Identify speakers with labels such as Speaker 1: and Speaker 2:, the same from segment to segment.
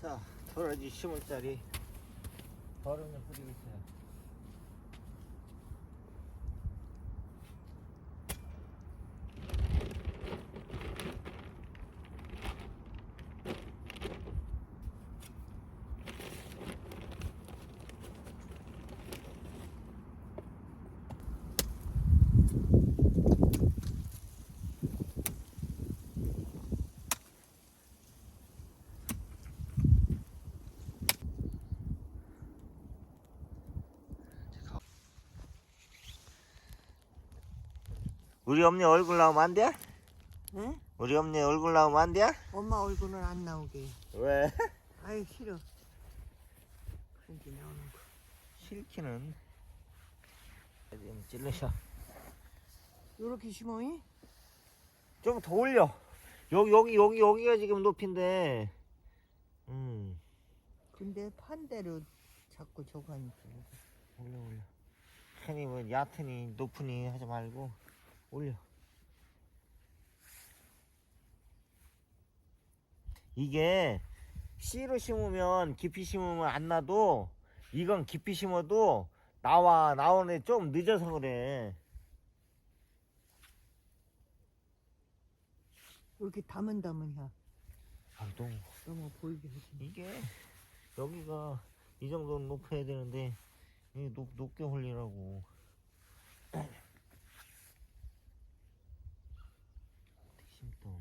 Speaker 1: 자, 도라지 심을 자리 버름을 뿌리고 있어요. 우리 엄니 얼굴 나오면 안 돼?
Speaker 2: 응?
Speaker 1: 우리 엄니 얼굴 나오면 안 돼?
Speaker 2: 엄마 얼굴은 안 나오게.
Speaker 1: 왜?
Speaker 2: 아이 싫어. 그런 게 나오는 거.
Speaker 1: 싫기는 좀 찔러셔.
Speaker 2: 요렇게 심어이?
Speaker 1: 좀 더 올려. 여기가 지금 높인데.
Speaker 2: 근데 판대로 자꾸 저거 하니까.
Speaker 1: 올려. 괜히 뭐 얕으니 높으니 하지 말고 올려. 이게 씨로 심으면 깊이 심으면 안 나도 이건 깊이 심어도 나오는 좀 늦어서 그래.
Speaker 2: 이렇게 담은야.
Speaker 1: 아,
Speaker 2: 너무 보이게 하지.
Speaker 1: 이게 여기가 이 정도는 높여야 되는데 이게 높게 올리라고. 심던.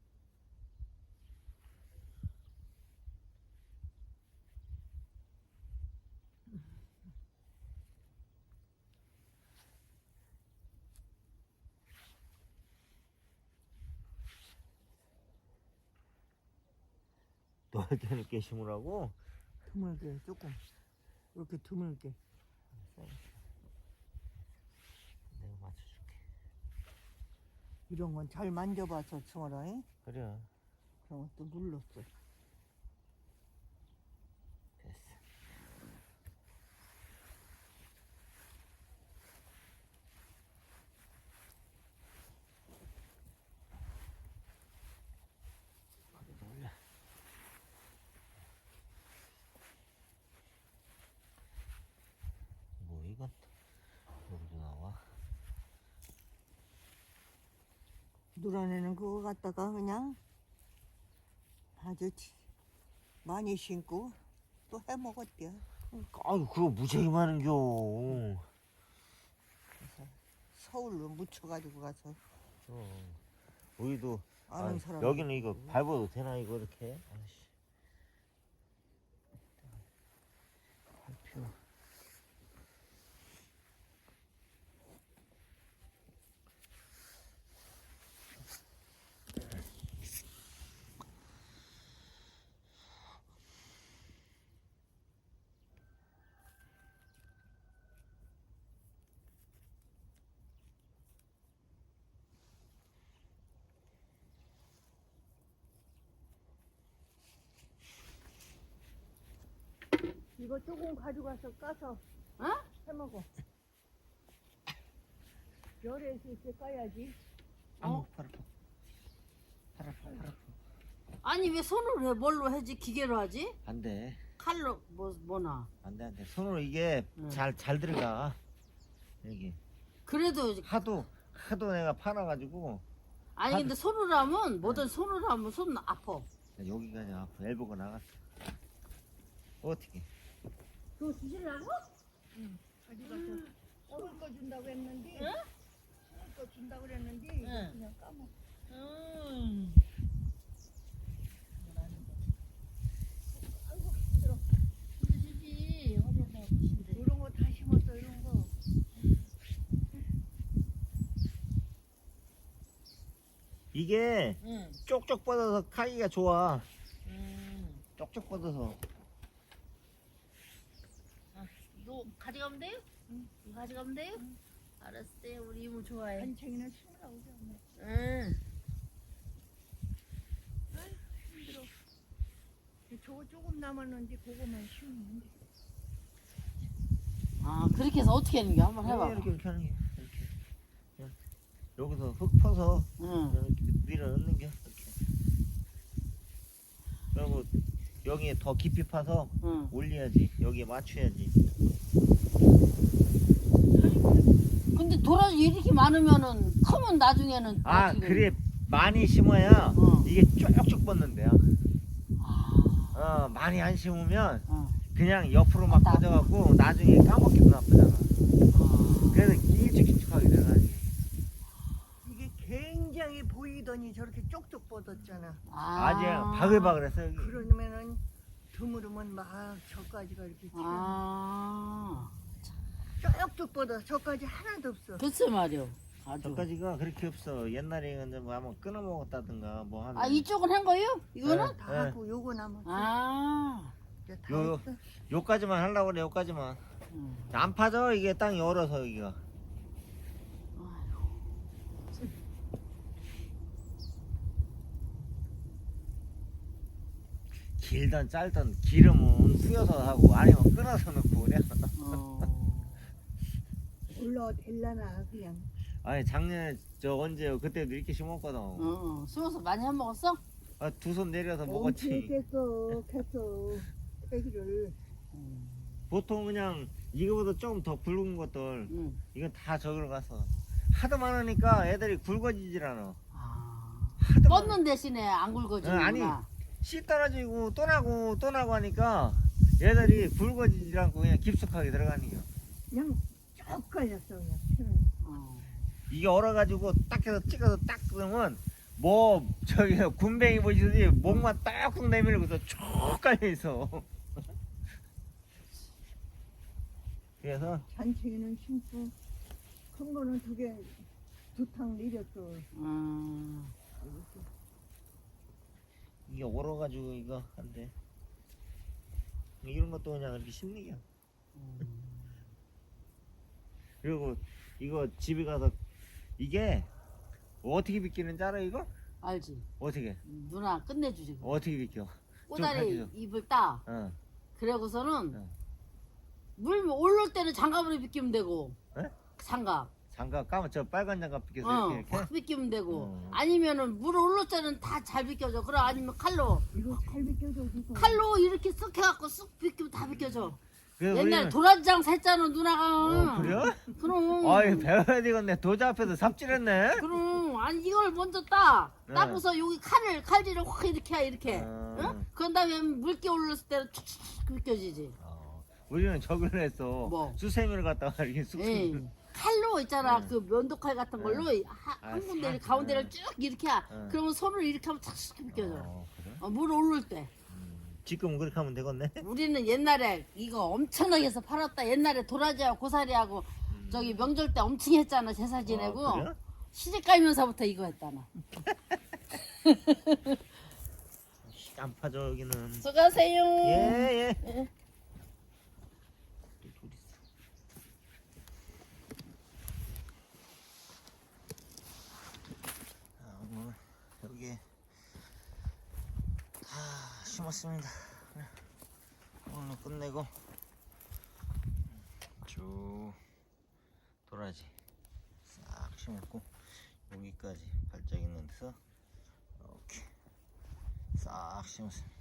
Speaker 1: 넓게 넓게 심으라고?
Speaker 2: 드물게 조금. 이렇게 드물게.
Speaker 1: 내가 맞춰줄게.
Speaker 2: 이런 건 잘 만져봐서 심어라. 잉?
Speaker 1: 그래.
Speaker 2: 그럼 또 눌렀어.
Speaker 1: 됐어. 거기다 올려. 뭐 이건 여기도 나와.
Speaker 2: 누라내는 그거 갖다가 그냥 아주 많이 심고 또 해먹었대요.
Speaker 1: 아유 그거 무지하게 많은겨.
Speaker 2: 그래서 서울로 묻혀가지고 가서
Speaker 1: 우리도
Speaker 2: 아는 사람.
Speaker 1: 여기는 이거 밟아도 되나 이거 이렇게? 아이씨. 밟혀.
Speaker 2: 이거 조금 가져가서 까서 해먹어. 열에 있을 때 까야지.
Speaker 1: 팔 아파.
Speaker 3: 아니 왜 손으로 해? 뭘로 하지? 기계로 하지?
Speaker 1: 안 돼.
Speaker 3: 칼로 뭐나?
Speaker 1: 안 돼. 손으로 이게 잘 들어가. 여기.
Speaker 3: 그래도
Speaker 1: 하도 내가 파놔가지고.
Speaker 3: 아니 근데 손으로 하면 뭐든 손으로 하면 손 아파.
Speaker 1: 여기가 그냥 아파. 엘보가 나갔어. 어떻게?
Speaker 3: 그거 주시려고?
Speaker 2: 가져가서 먹을 거 준다고 했는데 먹을 거 준다고 그랬는데 이거 그냥 까먹어. 아이고 힘들어.
Speaker 3: 주시지. 허리에다 주신대.
Speaker 2: 이런 거 다 심었어 이런 거.
Speaker 1: 이게
Speaker 3: 응.
Speaker 1: 쪽쪽 뻗어서 카기가 좋아. 쪽쪽 뻗어서.
Speaker 3: 이거 가져가면 돼요? 응. 이거 가져가면 돼요? 알았어요. 우리 이모 좋아해.
Speaker 2: 한챙이는 심으라고 그러네.
Speaker 3: 응.
Speaker 2: 힘들어. 저거 조금 남았는데 그거만 심으면 돼.
Speaker 3: 아 그렇게 해서 어떻게 하는 게 한번 해봐.
Speaker 1: 이렇게 하는 게. 이렇게. 그냥 여기서 흙 퍼서
Speaker 3: 응.
Speaker 1: 이렇게 밀어 넣는 게. 이렇게. 그리고 여기에 더 깊이 파서
Speaker 3: 응.
Speaker 1: 올려야지. 여기에 맞춰야지.
Speaker 3: 근데 도라지 이렇게 많으면은 크면 나중에는
Speaker 1: 아,
Speaker 3: 나중에-
Speaker 1: 그래 많이 심어야
Speaker 3: 어.
Speaker 1: 이게 쭉쭉 뻗는데요.
Speaker 3: 아,
Speaker 1: 많이 안 심으면
Speaker 3: 어.
Speaker 1: 그냥 옆으로 막
Speaker 3: 맞다.
Speaker 1: 퍼져갖고 나중에 까먹기도 나쁘잖아.
Speaker 3: 아.
Speaker 1: 그래서 길쭉길쭉하게 돼가지고.
Speaker 2: 이게 굉장히 보이더니 저렇게 쪽쪽 뻗었잖아.
Speaker 1: 아주 바글바글했어 여기.
Speaker 2: 그러면은 드물으면 막 저까지가 이렇게 튀어.
Speaker 3: 아.
Speaker 2: 쪽쪽 뻗어. 저까지 하나도 없어.
Speaker 3: 글쎄 말이요. 아주.
Speaker 1: 저까지가 그렇게 없어. 옛날에는 뭐 한번 끊어 먹었다든가 뭐 하면.
Speaker 3: 아, 이쪽은 한 거예요? 이거는?
Speaker 1: 네.
Speaker 2: 다 하고 요거 남았어.
Speaker 3: 아.
Speaker 2: 이제 다
Speaker 1: 요-
Speaker 2: 했어.
Speaker 1: 요까지만 하려고 그래. 요까지만.
Speaker 3: 음.
Speaker 1: 안 파져 이게 땅이 얼어서 여기가. 길던 짧던 기름은 뿌여서 하고 아니면 끊어서 넣고 그래.
Speaker 3: 어.
Speaker 2: 올라 될라나 그냥.
Speaker 1: 아니 작년에 저 언제요? 그때도 이렇게 심었거든.
Speaker 3: 어. 숨어서 많이 해 먹었어?
Speaker 1: 아, 두 손 내려서
Speaker 2: 엄청
Speaker 1: 먹었지.
Speaker 2: 깼어. 캐기를.
Speaker 1: 보통 그냥 이거보다 조금 더 굵은 것들
Speaker 3: 응.
Speaker 1: 이건 다 저기로 가서 하도 많으니까 애들이 굵어지질 않아.
Speaker 3: 아.
Speaker 1: 하도 많으-
Speaker 3: 뻗는 대신에 안 굵어지는구나.
Speaker 1: 아니. 씨 떨어지고 또 나고 하니까 얘들이 굵어지질 않고 그냥 깊숙하게 들어가는 거.
Speaker 2: 그냥 쭉 걸렸어 그냥.
Speaker 3: 어.
Speaker 1: 이게 얼어가지고 딱 해서 찍어서 딱 그러면 뭐 저기 군뱅이 보시듯이 목만 딱딱 내밀고서 쭉 깔려있어. 그래서
Speaker 2: 잔챙이는 심고 큰 거는 두 탕 내렸어.
Speaker 3: 음.
Speaker 1: 이게 얼어가지고 이거 한데 이런 것도 그냥 이렇게 심는 게야. 그리고 이거 집에 가서 이게 어떻게 비키는지 알아 이거?
Speaker 3: 알지.
Speaker 1: 어떻게
Speaker 3: 누나 끝내주지.
Speaker 1: 어떻게 비켜?
Speaker 3: 꼬다리
Speaker 1: 가르쳐줘.
Speaker 3: 입을 따.
Speaker 1: 어.
Speaker 3: 그러고서는
Speaker 1: 어.
Speaker 3: 물 올릴 때는 장갑으로 비키면 되고.
Speaker 1: 에?
Speaker 3: 장갑.
Speaker 1: 장갑 까면 저 빨간 장갑 비켜서
Speaker 3: 어,
Speaker 1: 이렇게
Speaker 3: 확 비키면 되고.
Speaker 1: 어.
Speaker 3: 아니면은 물 올릴 때는 다 잘 비켜져. 그래 아니면 칼로.
Speaker 2: 이거 칼 비껴줘 그거.
Speaker 3: 칼로 이렇게 쓱 해갖고 쑥 비키면 다 비켜져.
Speaker 1: 그래서
Speaker 3: 옛날
Speaker 1: 우리는-
Speaker 3: 도라지장 샀잖아 누나가.
Speaker 1: 그래요?
Speaker 3: 그럼.
Speaker 1: 아이 배워야 되겠네. 도자 앞에서 삽질했네.
Speaker 3: 그럼 아니 이걸 먼저 따.
Speaker 1: 네.
Speaker 3: 따고서 여기 칼질을 확 이렇게 해 이렇게. 응? 그런 다음에 물기 올렸을 때는 툭툭 비껴지지.
Speaker 1: 우리는 저걸 했어.
Speaker 3: 뭐?
Speaker 1: 수세미를 갖다가 이렇게 쑥쑥.
Speaker 3: 에이, 칼로 있잖아.
Speaker 1: 네.
Speaker 3: 그 면도칼 같은 걸로
Speaker 1: 아,
Speaker 3: 한 군데를
Speaker 1: 살-
Speaker 3: 가운데를
Speaker 1: 네.
Speaker 3: 쭉 이렇게 해.
Speaker 1: 네.
Speaker 3: 그러면 손을 이렇게 하면 탁 비껴져.
Speaker 1: 그래?
Speaker 3: 물 오를 때.
Speaker 1: 지금 그렇게 하면 되겠네.
Speaker 3: 우리는 옛날에 이거 엄청나게 해서 팔았다. 옛날에 도라지하고 고사리하고 저기 명절 때 엄청 했잖아. 제사 지내고.
Speaker 1: 아, 그래?
Speaker 3: 시집 가면서부터 이거 했다나.
Speaker 1: 안 파져 여기는.
Speaker 3: 수고하세요.
Speaker 1: 예.
Speaker 3: 예.
Speaker 1: 오늘 여기 다 심었습니다. 오늘 끝내고 쭉 도라지 싹 심었고 여기까지 발작 있는 데서 이렇게 싹 심었습니다.